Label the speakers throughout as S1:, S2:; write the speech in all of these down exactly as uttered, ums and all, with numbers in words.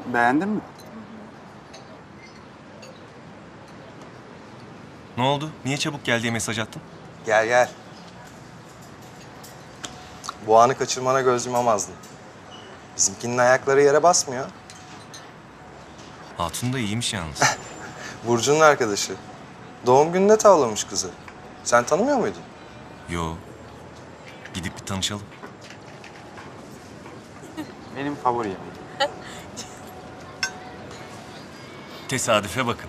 S1: Beğendin mi?
S2: Ne oldu? Niye çabuk gel diye mesaj attın?
S3: Gel gel. Bu anı kaçırmana göz yumamazdım. Bizimkinin ayakları yere basmıyor.
S2: Hatun da iyiymiş yalnız.
S3: Burcu'nun arkadaşı. Doğum gününde tavlamış kızı. Sen tanımıyor muydun?
S2: Yo. Gidip bir tanışalım.
S1: Benim favori yemeğim.
S2: Tesadüfe bakın.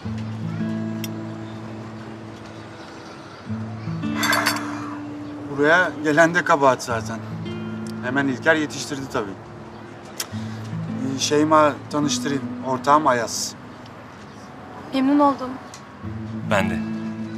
S1: Buraya gelen de kabahat zaten. Hemen İlker yetiştirdi tabii. Ee, Şeyma tanıştırayım. Ortağım Ayaz.
S4: Memnun oldum.
S2: Ben de.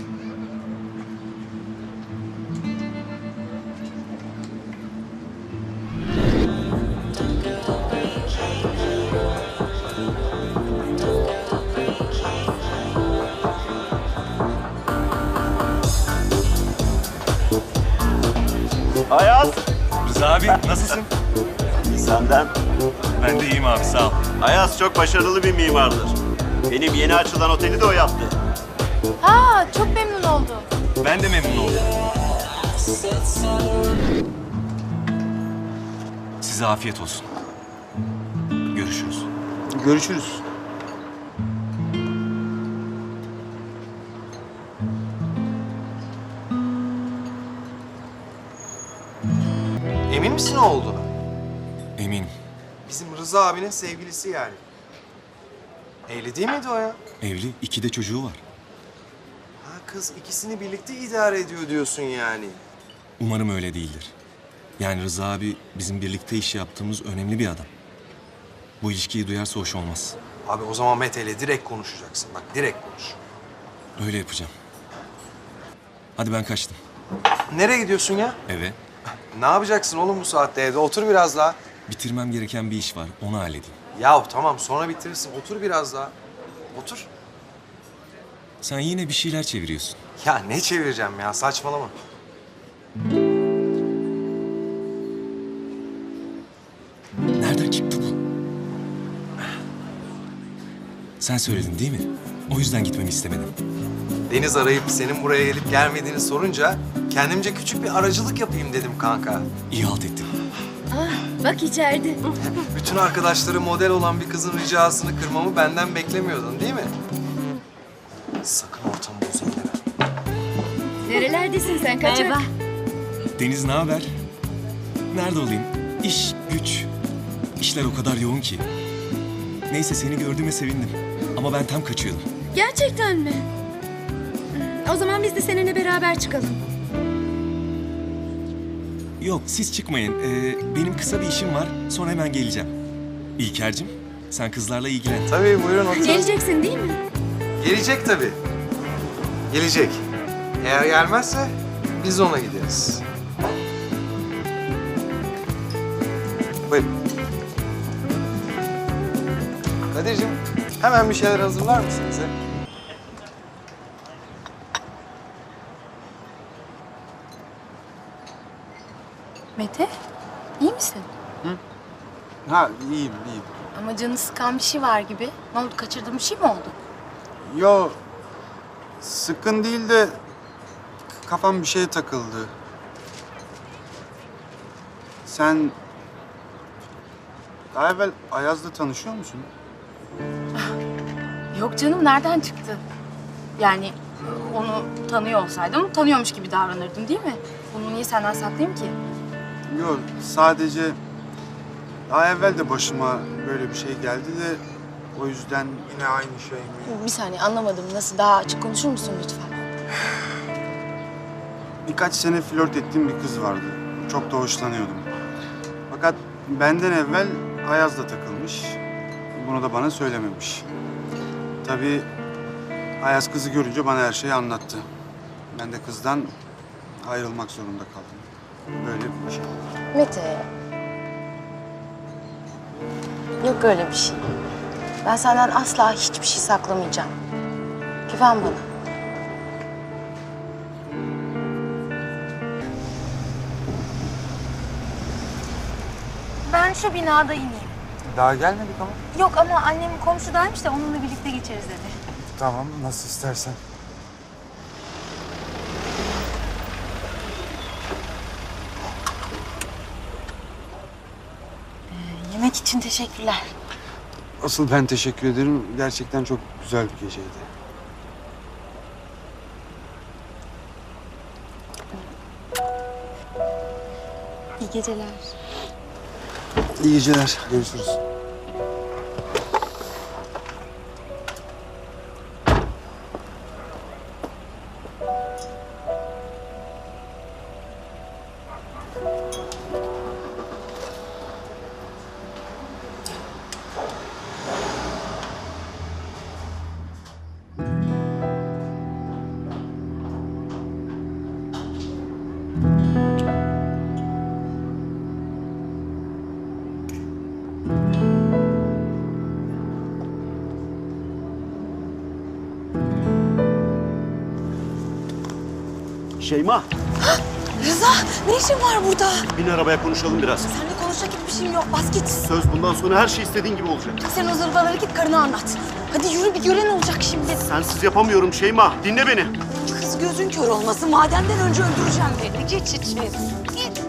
S5: Ayaz,
S2: Rıza abi nasılsın?
S5: senden.
S2: Ben de iyiyim abi sağ ol.
S5: Ayaz çok başarılı bir mimardır. Benim yeni açılan oteli de o yaptı.
S4: Ha, çok memnun oldum.
S2: Ben de memnun oldum. Size afiyet olsun. Görüşürüz.
S1: Görüşürüz.
S3: Emin misin o olduğuna?
S2: Eminim.
S3: Bizim Rıza abinin sevgilisi yani. Evli değil miydi o ya?
S2: Evli, iki de çocuğu var.
S3: Ha kız ikisini birlikte idare ediyor diyorsun yani.
S2: Umarım öyle değildir. Yani Rıza abi bizim birlikte iş yaptığımız önemli bir adam. Bu ilişkiyi duyarsa hoş olmaz.
S3: Abi o zaman Mete ile direkt konuşacaksın. Bak direkt konuş.
S2: Öyle yapacağım. Hadi ben kaçtım.
S3: Nereye gidiyorsun ya?
S2: Eve.
S3: Ne yapacaksın oğlum bu saatte evde? Otur biraz daha.
S2: Bitirmem gereken bir iş var. Onu halledeyim.
S3: Ya tamam sonra bitirirsin. Otur biraz daha. Otur.
S2: Sen yine bir şeyler çeviriyorsun.
S3: Ya ne çevireceğim ya saçmalama.
S2: Nereden çıktı bu? Sen söyledin değil mi? O yüzden gitmemi istemedin.
S3: Deniz arayıp senin buraya gelip gelmediğini sorunca kendimce küçük bir aracılık yapayım dedim kanka.
S2: İyi halt ettin.
S4: Bak içeride.
S3: Bütün arkadaşları model olan bir kızın ricasını kırmamı benden beklemiyordun değil mi? Sakın ortamı bozayım deme.
S4: Nerelerdesin sen kaçak? Merhaba.
S2: Deniz ne haber? Nerede olayım? İş, güç. İşler o kadar yoğun ki. Neyse seni gördüğüme sevindim. Ama ben tam kaçıyordum.
S4: Gerçekten mi? O zaman biz de seninle beraber çıkalım.
S2: Yok siz çıkmayın. Ee, benim kısa bir işim var. Sonra hemen geleceğim. İlker'cim sen kızlarla ilgilen.
S3: Tabii buyurun oturun.
S4: Geleceksin değil mi?
S3: Gelecek tabii. Gelecek. Eğer gelmezse biz ona gideriz. Buyurun. Kadir'cim hemen bir şeyler hazırlar mısın bize?
S4: Mete, iyi misin?
S1: Ha iyiyim iyiyim.
S4: Ama canı sıkan bir şey var gibi. Ne oldu, kaçırdığın bir şey mi oldu?
S1: Yo sıkın değil de kafam bir şeye takıldı. Sen daha evvel Ayaz'la tanışıyor musun?
S4: Yok canım, nereden çıktı? Yani onu tanıyor olsaydım tanıyormuş gibi davranırdım değil mi? Bunu niye senden saklayayım ki?
S1: Yok sadece daha evvel de başıma böyle bir şey geldi de o yüzden yine aynı şey mi?
S4: Bir saniye, anlamadım. Nasıl, daha açık konuşur musun lütfen?
S1: Birkaç sene flört ettiğim bir kız vardı. Çok da hoşlanıyordum. Fakat benden evvel Ayaz'la takılmış. Bunu da bana söylememiş. Tabii Ayaz kızı görünce bana her şeyi anlattı. Ben de kızdan ayrılmak zorunda kaldım. Böyle bir şey.
S4: Mete. Yok öyle bir şey. Ben senden asla hiçbir şey saklamayacağım. Güven bana. Ben şu binada ineyim.
S1: Daha gelmedik ama.
S6: Yok ama annem komşudaymış da onunla birlikte geçeriz dedi.
S1: Tamam, nasıl istersen.
S4: Yemek için teşekkürler.
S1: Asıl ben teşekkür ederim. Gerçekten çok güzel bir geceydi.
S6: İyi geceler.
S1: İyi geceler. Görüşürüz.
S5: Şeyma,
S6: Rıza ne işin var burada?
S5: bin arabaya konuşalım biraz.
S6: Seninle konuşacak hiçbir şeyim yok. Bas git.
S5: Söz bundan sonra her şey istediğin gibi olacak.
S6: Sen o zırvaları git karına anlat. Hadi yürü bir gören olacak şimdi.
S5: Sensiz yapamıyorum Şeyma. Dinle beni.
S6: Kız gözün kör olmasın. Madenden önce öldüreceğim beni. Geç içeri. Git.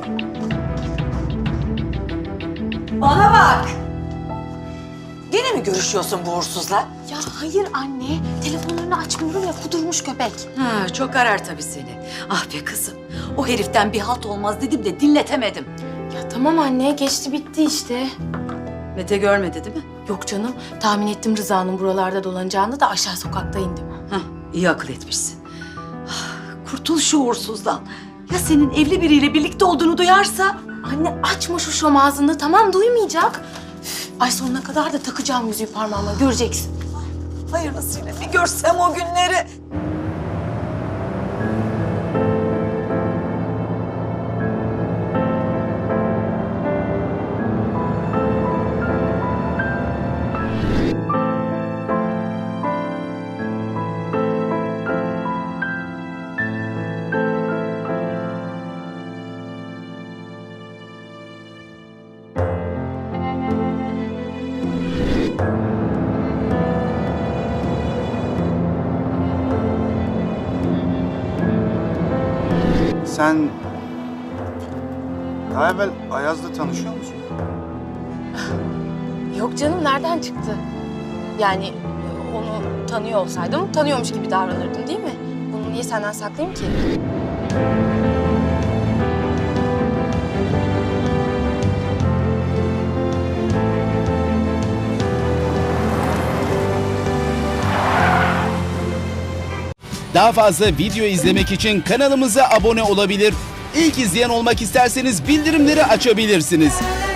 S6: Bana bak. Gene mi görüşüyorsun bu uğursuzla?
S4: Ya hayır anne. Telefonlarını açmıyorum ya, kudurmuş köpek.
S7: Ha, çok arar tabii seni. Ah be kızım. O heriften bir halt olmaz dedim de dinletemedim.
S4: Ya tamam anne, geçti bitti işte.
S7: Mete görmedi değil mi?
S4: Yok canım, tahmin ettim Rıza'nın buralarda dolanacağını da aşağı sokakta indim.
S7: Hah, iyi akıl etmişsin. Ah, kurtul şu uğursuzdan. Ya senin evli biriyle birlikte olduğunu duyarsa?
S4: Anne açma şu şom ağzını, tamam duymayacak. Üf, ay sonuna kadar da takacağım yüzüğü parmağıma, göreceksin.
S7: Hayırlısıyla bir görsem o günleri.
S1: Sen daha evvel Ayaz'la tanışıyor musun?
S4: Yok canım, nereden çıktı? Yani e, onu tanıyor olsaydım tanıyormuş gibi davranırdım değil mi? Bunu niye senden saklayayım ki?
S8: Daha fazla video izlemek için kanalımıza abone olabilir. İlk izleyen olmak isterseniz bildirimleri açabilirsiniz.